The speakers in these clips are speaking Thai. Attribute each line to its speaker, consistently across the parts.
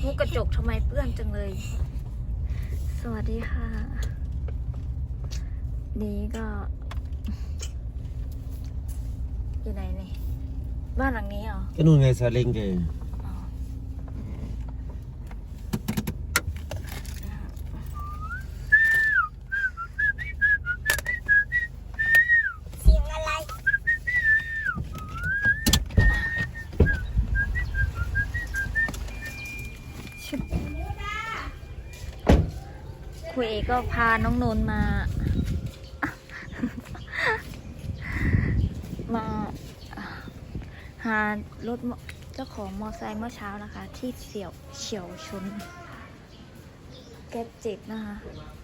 Speaker 1: มุกกระจกทำไมเปื้อนจังเลย สวัสดีค่ะ นี่ก็อยู่ไหนนี่บ้านหลังนี้เหรอ
Speaker 2: ก็นู่นไงซาเล้งแก
Speaker 1: ครูเอก็พาน้องนนท์มา มาหารถเจ้าของมอไซค์เมื่อเช้านะคะ ที่เฉียวชนแก๊ปเจ็บนะคะ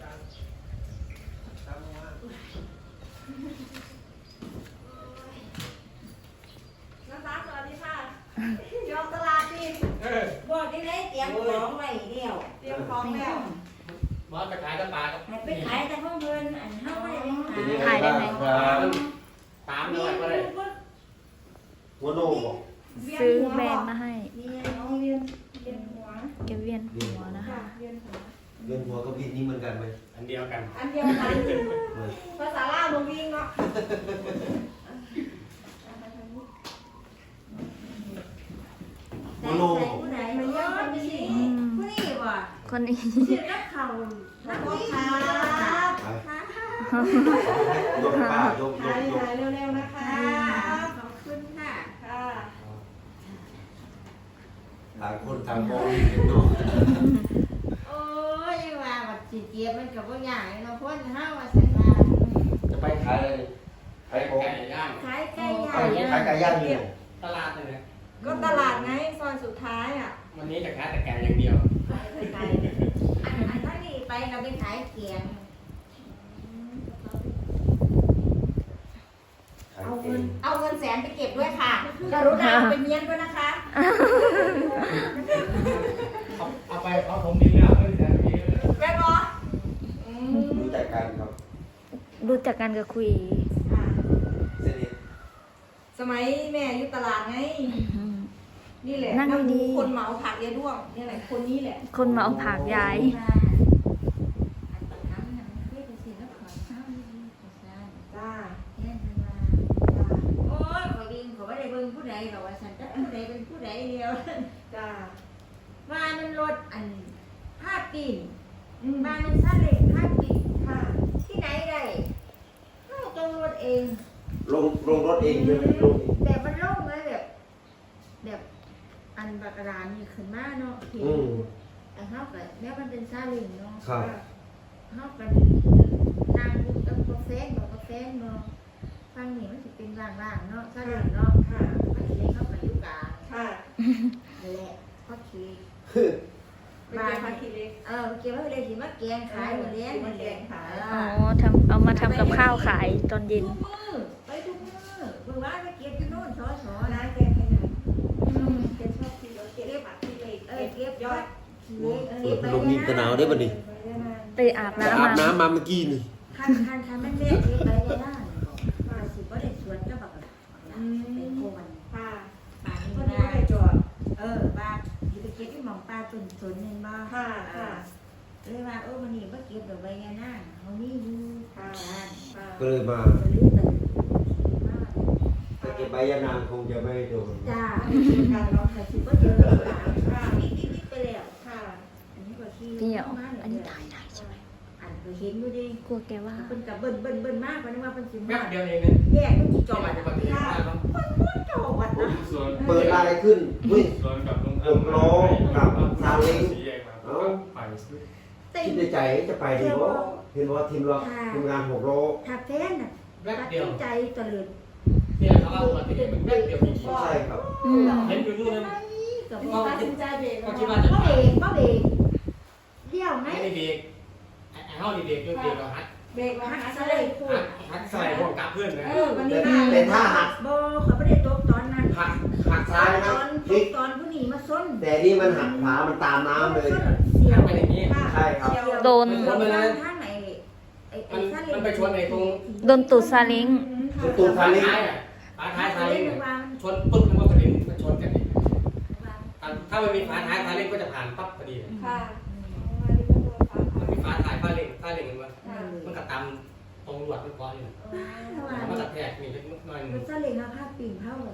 Speaker 3: นะคะสวัสดีค่ะยอมตลาดดิบอกที่ไหนเตรียมของไว้เดียวเตรียมของแล้ว
Speaker 4: มาไปขายตะปากับ
Speaker 3: ไปขายแต่ห้องเงินอันเท่าไหร่
Speaker 1: ถ่ายได้ไหม
Speaker 4: ตามเลยก็เลย
Speaker 2: หัวโนบอก
Speaker 1: ซื้อแบรนด์มาให้
Speaker 3: เวียนน้องเวียนหัว
Speaker 1: แกเวียนหัวนะคะ
Speaker 3: เวียนหัว
Speaker 2: เรื่องหัวกับวินนี่เหมือนกันไหม
Speaker 4: อันเดียวกัน
Speaker 3: อันเดียวกันภาษาลาวมึงวิ่งเนาะ
Speaker 2: หัวโน
Speaker 3: ผู้ใดมันเยอะคนนี้ผู้นี้ว่ะ
Speaker 1: คนนี้
Speaker 3: ชื่อนักข่าวนักข่าวย
Speaker 2: กป้ายก
Speaker 3: ถ่ายเร็วๆนะคะขอบคุณค่ะค่ะ
Speaker 2: ต่างคนต่างมองเนาะ
Speaker 3: โอ้ยว่าบัดสิเกียบมันกับว่าอย่างเนาะพ้นห้าว่าสันว่า
Speaker 2: จะไปขายอะไรขายของ
Speaker 4: ไก่ย่าง
Speaker 3: ขายไก่
Speaker 2: ขายไก่ย่างนี่
Speaker 4: ตลาดเลย
Speaker 3: ก็ตลาดไงซอยสุดท้ายอ่ะ
Speaker 4: วันนี้จะขายแต่ไก่อย่างเดียว
Speaker 3: ขายไก่อันนั้นนี่ไปเราไปขายเกียงเอาเงินแสนไปเก็บด้วยค่ะกรุณาเอาไปเมียนด้วยนะคะ
Speaker 4: เอาไปเอาผมดีแล้วไม่ได้ดี
Speaker 3: แม่บอ
Speaker 2: รู้จักกันครับ
Speaker 1: รู้จักกันกับคุย
Speaker 2: สนิท
Speaker 3: สมัยแม่อยู่ตลาดไงนี่แหละ
Speaker 1: นั่งดี
Speaker 3: คนเหมาผักยายด้วงนี่แหละคนนี้แหละ
Speaker 1: คนมาเอาผักยาย
Speaker 3: จ้าโอ้ยขอดินขอไม่ได้เบิ่งผู้ใดหรอกว่าฉันจะผู้ใดเป็นผู้ใดเดียวจ้าว่ามันรถอันผ้าปีนมามันซาเล้งผ้าปีนค่ะที่ไหนได้เราต้องรถเอง
Speaker 2: ลงรถเองใช่ไหมลงเอง
Speaker 3: แบบมันโล่งเลยแบบอันบักรานนี่ขึ้นมาเนาะเห็นอันเท่ากับแม้มันเป็นซาเล้งเนาะ
Speaker 2: ครับ
Speaker 3: เท่ากันนางกับกาแฟเนาะกาแฟเนาะฟังนี่มันจะเป็นล่างๆเนาะซาเล้งเนาะค่ะมันจะเข้ากับยุกาค่ะนั่นแหละพ่อคีบานพ่อคีเล็กเกี่ยวกับเลยที่มาแกงขายมาเลี้ยงมาแกงขาย
Speaker 1: อ๋อเอามาทำกับข้าวขายตอนเย็น
Speaker 3: ทุกมือไปทุกมือเมื่อวานไปเก็บที่โน่นสอนะแกงขนาดแกชอบที่รถเก็บผักที่เล็กเก็บยอด
Speaker 2: ลงยิงตะหนาวได้ป่ะนี่
Speaker 1: ไปอาบ
Speaker 2: จะ
Speaker 1: น้ำ
Speaker 2: อาบ
Speaker 1: มา
Speaker 2: น้ำมาเมื่อกี้นี่
Speaker 3: คันมันแม่เก็บไปได้ได้ว่าสิบ่ได้สวนก็แบบเป็นโคนค่ะป่านี้บ่ได้จอดบ้านที่ไปเก็บที่หมองปลาตุ่นๆนึงบ่ค่ะเลยว่าวันนี้บ่เก็บดอกใบยานาเฮามีอยู่ค่ะ
Speaker 2: ก็เลยมา
Speaker 3: ลืม
Speaker 2: แต่เก็บใบยานางคงจะไม่โดน
Speaker 3: จ้าการร้องค่ะสิบ่เจอค่ะนิดๆไปแล้วค่ะอันนี้ก็ขี้
Speaker 1: เดี๋ยวอันนี้ถ่ายได้ใช่ไหม
Speaker 3: อันก็เห็นอยู่ดิ
Speaker 1: กลัวแกว่า
Speaker 3: เป็นกับเบิ้นมากกว่านี้ว่าเป็นสิ
Speaker 4: แป๊
Speaker 3: มา
Speaker 4: บเดียวเองเนี่ย
Speaker 3: แยกมันกี่จ
Speaker 4: จ
Speaker 3: อ
Speaker 4: อ
Speaker 3: ด
Speaker 4: ดปกติมากเนาะ
Speaker 3: มันจอดนะ
Speaker 5: ส่วน
Speaker 2: เปิดอะไรขึ้นเฮ้ย
Speaker 5: ส่วนกับลุง
Speaker 2: 6 ล้อกับซาเล้ง
Speaker 5: สีแยกมาก็ไปซื้อ
Speaker 2: คิดในใจจะไปดีบ่เห็นว่าทีมงาน6 ล้อ
Speaker 3: ถ้าแฟนน่ะ
Speaker 4: แป๊บ
Speaker 3: ตัด
Speaker 4: เดียว
Speaker 3: สินใจตะลึง
Speaker 4: เนี่ยเขาเอาปกติมันแป๊บเดียวจริง
Speaker 2: ใช่ครับ
Speaker 1: อืม
Speaker 4: เห็นอยู่นู่นนะ
Speaker 3: กับพ่อตัดสินใจเบรก
Speaker 4: ก็คิดว่าจะ
Speaker 3: ก็เบรกก็เบรกเดี่ยวไหม
Speaker 4: ไม่ได้เด็กไอ้เฮาดีเด็กเด็กเราฮัด
Speaker 3: เบรกมาหาซะเลยพูด
Speaker 4: ฮัดใส่พวกกับเพื่อนนะ
Speaker 3: วันนี้มาบ่เขาไม่ได้ตกตอนนั้น
Speaker 2: หักซ้ายนะ
Speaker 3: ตอนผู้หนีมาส้น
Speaker 2: แต่นี่มันหักขวามันตามน้ำเลย
Speaker 3: เสียว
Speaker 4: เป็นอย่างนี้
Speaker 2: ใช่ครับ
Speaker 1: โดน
Speaker 3: ข้างไหนไอ้
Speaker 4: มันไปชนไอ้ตรง
Speaker 1: โดนตูดซาเล้ง
Speaker 2: ตูดซาเล้ง
Speaker 4: ท้ายอ่ะท้ายซาเล้งชนปุ๊บมันก็กระเด็นมันชนกันอีกตาถ้ามันมีฝาท้ายเร่งก็จะผ่านปั๊บพอดีเลย
Speaker 6: ค่ะมาดีก็โดนฟ้า
Speaker 4: มัน
Speaker 6: ผ่า
Speaker 4: มีฝาท้ายเร่งมันก็ตามตรงหลวดมันก้อนอยู่มันกระแทกมีเล็กน้อยนึง
Speaker 3: รถซาเล้งเอาผ้าปิ่นเข้าเลย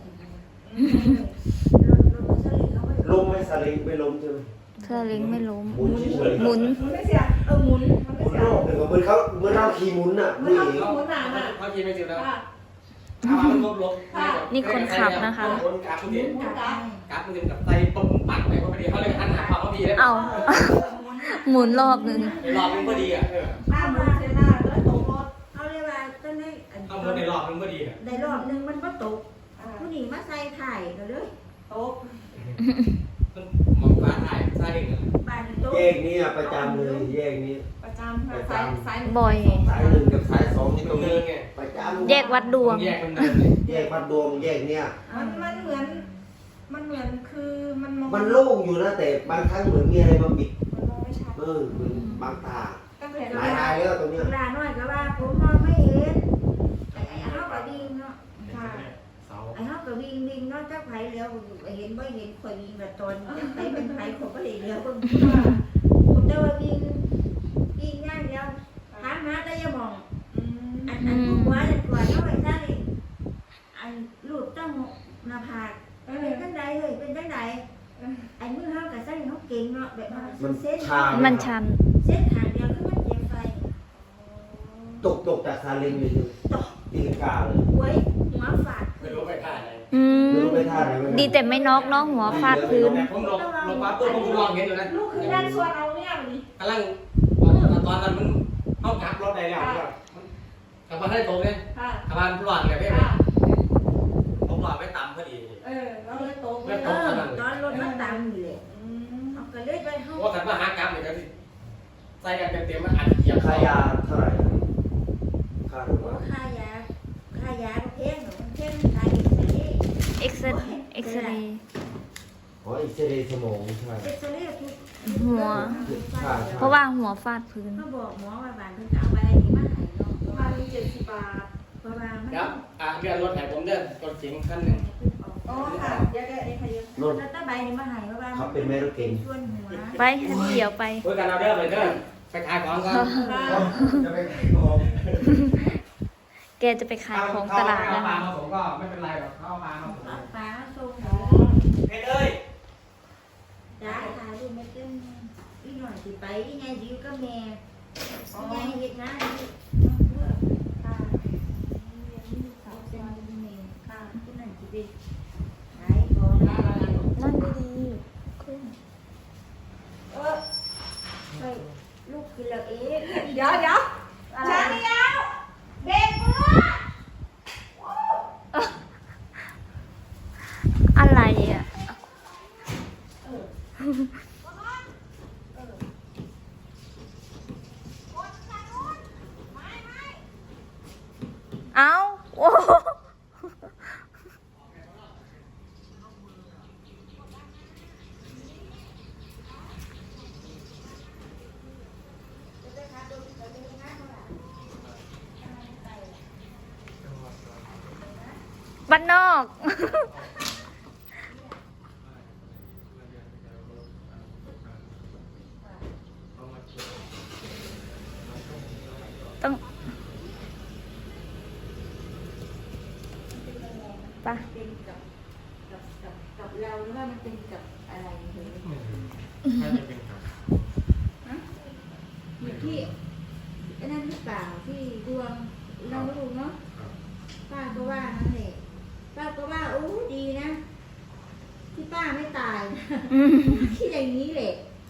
Speaker 3: รถซาเล้งเขาไม่
Speaker 2: ลมไม่สลิงไม่ล้มใช่ไหม
Speaker 1: เธอลิงไม่ล้ม
Speaker 2: หมุนเฉยๆ
Speaker 1: หมุน
Speaker 6: มันไม่เสียหมุนมัน
Speaker 2: หมุ
Speaker 6: ไม่
Speaker 2: น
Speaker 6: เสี
Speaker 2: ร
Speaker 6: ย
Speaker 2: อบหนึ่งก็เหมือนเราขี่หมุนน่ะ
Speaker 6: มัน
Speaker 2: นี่
Speaker 6: ทำหมุนหนาน่ะ
Speaker 4: เขาคิดไม่ถึงแล้ว
Speaker 6: ค่ะ
Speaker 4: ถ้ามันลบ
Speaker 1: นี่คนขับนะคะ
Speaker 4: คนกราฟพอดี
Speaker 3: หมุนกลับ
Speaker 4: กราฟมันกับไตปุ่มปักไปพอดีเขาเลยหันหาความพอดีเลย
Speaker 1: เอา หมุนรอบหนึ่ง
Speaker 4: ในรอบนึงพอดีอ่ะ
Speaker 6: ป้ามาเสียหน้าแล้วตกรถ
Speaker 3: เขาเรียกว่าต้นนี้
Speaker 4: เอาหมุนในรอบนึงพอดีอ่ะ
Speaker 3: ในรอบนึงมันก็ตกผู้หญิงมาใส่ถ่ายกันเลย
Speaker 6: ตก
Speaker 4: มันมองฟ้าถ่ายซาเล้งอ่ะ
Speaker 3: บ้านตก
Speaker 2: แยกนี้ประจำเลยแยกนี้
Speaker 6: ประจำค่ะสาย
Speaker 1: บ่อย
Speaker 2: สายหนึ่งกับสายสอง
Speaker 4: นี่
Speaker 2: นี่
Speaker 4: ต
Speaker 2: ต
Speaker 4: ร
Speaker 2: รง ง
Speaker 4: เนิ
Speaker 2: นี้
Speaker 4: นไง
Speaker 2: ประจำ
Speaker 1: แยกวัดดวง
Speaker 4: แยกมันเนินเลย
Speaker 2: แยกวัดดวงแยกเนี่ย
Speaker 6: มันเหมือนมันเหมือนคือมันมอง
Speaker 2: มันโล่งอยู่นะแต่บางครั้งเหมือนมีอะไรมาปิด
Speaker 6: มันมองไม่ชัด
Speaker 2: เหมือนบางตา
Speaker 6: ตั้งแต่
Speaker 2: หลายรายแล้วตรงเนี้ย
Speaker 3: เวลาน้อยก็ว่าผมมองไม่เห็นไอ้เขาก็วิ่งเนาะ
Speaker 6: ค่ะ
Speaker 5: เสา
Speaker 3: ไอ้เขาก็วิ่งเนาะจักไผเลี้ยวเห็นบ่เห็นข่อยวิ่งแบบตอนจักไผเป็นไผผมก็เลยเลี้ยวผมแต่ว่าวิ่งย่างเดียวถามหาแต่อย่ามอง อันผู้หัวจะกวาดเข้าไปซะนี่อันลูกต้องหน้าผากเป็นจังใดเฮ้ยเป็นจังใดไอ้มือเฮากับใส่เฮาเก่งเนาะแบบมันเส้น
Speaker 1: มันชัน
Speaker 3: เส้นทางเดียวคือมันเจ็บไฟ
Speaker 2: ตกจากซาเล้งอยู่ตีลังกาเลย
Speaker 3: หวยหัวฟาด
Speaker 4: ไม่รู้ไปท่าอะไร
Speaker 1: อืม
Speaker 2: ไม่รู้ไปท่าไหนไม่รู้
Speaker 1: ดีแต่ไม่น็อกเนาะหัวฟาดพื้น
Speaker 4: ผมลงมาปุ๊บผมลองเห็นอยู่นะ
Speaker 6: ลูกคือด้านส่วนเอาเนี่ยวันนี้
Speaker 4: กำลังตอนนั้นมันเข้ากราฟรถได้แล้วกับมันให้ตรงเนี่ย
Speaker 6: ค่ะ
Speaker 4: กับมันหลอดเลยพี่
Speaker 6: ค่ะ
Speaker 4: ผมหลอดไม่ต่ำพอดี
Speaker 6: แล้วเลยตกเล
Speaker 3: เอย อตอนรถมันตามอยู่เลยเอาก็เลยไปเฮา
Speaker 4: ว่ากันว่าหากราฟเนี่ยก็ใส่กันเต็มๆมันอัดเหยียบ
Speaker 2: ค่ายาเท่าไหร่ค่าหรือว่า
Speaker 3: ค่ายาก็แพงมันแพงขายเอ็กซเรย์
Speaker 1: เอ็กซเรย์
Speaker 2: อ๋ออีกเซเรย์สมองใช่
Speaker 3: เอ็กซเรย์ทุก
Speaker 1: หัว เพราะว่าหัวฟาดพื้น
Speaker 3: เขาบอกหมอว่าบ้านเพิ่นจะเอาใบนี้มาให้เนาะ
Speaker 6: ประมาณ70 บาท
Speaker 3: เพราะว่ามัน
Speaker 4: ครับเรียนรถไหนผมเดินรถเก๋งคันหนึ่ง
Speaker 6: อ๋อค่ะเดี๋ยวไอ้พยา
Speaker 2: รถ
Speaker 3: แล้วถ้าใบนี้มาให้เพราะว่า
Speaker 2: เขาเป็นแม่รถเก่ง
Speaker 3: ส่วนหัว
Speaker 1: ไปเดี๋ยวไป
Speaker 4: เพื่อการเอาเดินไปเดินไปขายของก่อน
Speaker 2: จะไปขายของ
Speaker 1: แกจะไปขายของตลาด
Speaker 4: เอา
Speaker 1: นะ
Speaker 4: ปลา
Speaker 1: คะ
Speaker 4: มาผมก็ไม่เป็นไรหรอกเขาเอาปลามาผม
Speaker 3: เอาปลาส่ง
Speaker 4: เพชรเอ้ย
Speaker 3: จ้าถ่ายรูปไม่เต็มอีหน่อยสิไปอีไงสิอยู่กับแม่อีไงเฮ็ดงานอยู่เพื่อ
Speaker 6: ค่ะ
Speaker 3: เอาเส้นเป็นแม่ค่ะผู้นั้นสิไปขายของ
Speaker 1: นั่งดีๆขึ้น
Speaker 3: ไปลูกกินแล้วเอ๊ะ
Speaker 6: เดี๋ยวช้าเดียวเบรกมือ
Speaker 1: อะไรอ่ะ เอาโอ้โหบ้านนอก ต้องปะ
Speaker 3: เป็นกับเราหรือว่ามันเป็นกับอะไรเห็น
Speaker 5: น่าจะเป็นครับ
Speaker 3: อยู่ที่ไอ้นั่นหรือเปล่าที่ดวงเราไม่รู้เนาะป้าก็ว่านั่นแหละป้าก็ว่าโอ้ดีนะ ที่ป้าไม่ตายนะ
Speaker 1: อืม
Speaker 3: คิดอย่างนี้แหละ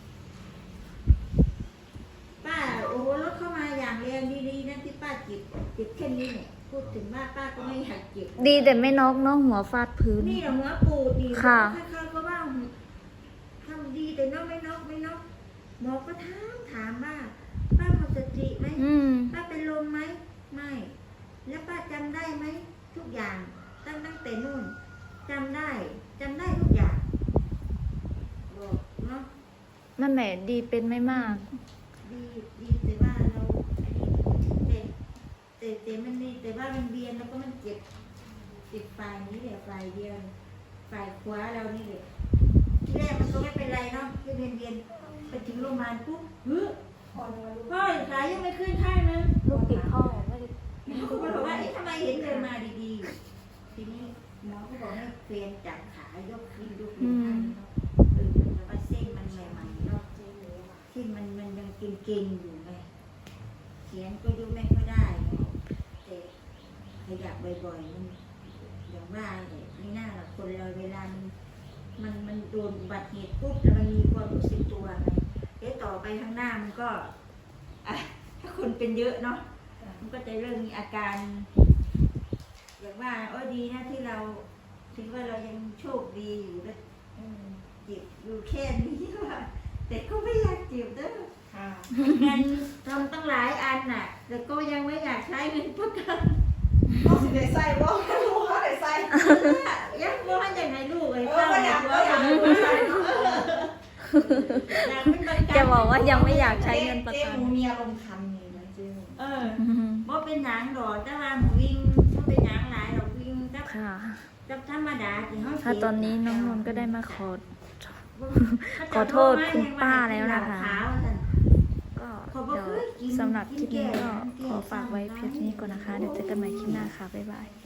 Speaker 3: ป้าโอ้โหรถเข้ามาอย่างแรงดีๆนะที่ป้าเจ็บแค่นี้เนี่ยพูดถึงว่าป้าก็ไม่อยากเจ็บ
Speaker 1: ดีแต่ไม่น็อกเนาะหัวฟาดพื้น
Speaker 3: นี่แหละหัวปูดดี
Speaker 1: ค่ะ
Speaker 3: ค่อยๆก็ว่าทำดีแต่นอกไม่นอกหมอก็ถามว่าป้าหมดสติไหม
Speaker 1: อืม
Speaker 3: ป้าเป็นลมไหมไม่ แล้วป้าจำได้ไหมทุกอย่างตั้งแต่นู่นจำได้ทุกอย่างบอกเนาะ
Speaker 1: นั่นแหละดีเป็นไม่มาก
Speaker 3: ดีแต่ว่าเราอันนี้แต่มันนี่แต่ว่ามันเบียนแล้วก็มันเจ็บฝ่ายนี้แหละฝ่ายเดียวฝ่ายขวาเรานี่แหละที่แรกมันก็ไม่เป็นไรเนาะที่เรียนไปถึงโรงพยาบาลปุ๊บพ่อขายังไม่ขึ้นข้างนึง
Speaker 1: ลูกติดพ่อไม่ได้
Speaker 3: เขาก็บอกว่าทำไมเห็นเดินมาดีๆทีนี้หมอก็บอกให้เฟรนจับขายกขึ้นยกลงให้เนาะแต่ว่าเส้นมันใหม่ๆเนาะเส้นมันยังเก่งๆอยู่ไงเขียนก็ยกไม่ค่อยได้แต่ขยับบ่อยๆมันอย่างว่าเนี่ยไม่น่าหรอกคนเราเวลามันโดนอุบัติเหตุปุ๊บแล้วมันมีความรู้สึกตัวไงเดี๋ยวต่อไปข้างหน้ามันก็ถ้าคนเป็นเยอะเนาะมันก็จะเริ่มมีอาการอย่างว่าดีนะที่เราถือว่าเรายังโชคดีอยู่แล้วเจ็บอยู่แค่นี้ว่าแต่ก็ไม่อยากเจ็บเด้อเงินทำตั้งหลายอันน่ะแต่ก็ยังไม่อยากใช้เงินประกัน
Speaker 6: ต้องสิได้ใส่บ่รู้เขาได้ใส่
Speaker 3: ยังว่าอย่างไรลูกเลย
Speaker 6: ก็อยาก
Speaker 3: ว่าอย่างไร
Speaker 6: ใส่
Speaker 1: จะบอกว่ายังไม่อยากใช้เงินประ
Speaker 6: เจ๊
Speaker 1: กัน
Speaker 6: หมูมีอารมณ์คันนี่นะเจ๊
Speaker 3: บ่เป็นหยังดอกแต่ว่าหมูวิ่งบ่เป็นหยังหลายดอกวิ่งกับ
Speaker 1: ค่ะ
Speaker 3: ธรรมดาที่เฮา
Speaker 1: ถ้าตอนนี้น้องนนท์ก็ได้มาขอโทษคุณป้าแล้วนะคะ ก็เดี๋ยวสำหรับคลิปนี้ก็ขอฝากไว้เพียงเท่านี้ก่อนนะคะ เดี๋ยวเจอกันใหม่คลิปหน้าค่ะ บ๊ายบาย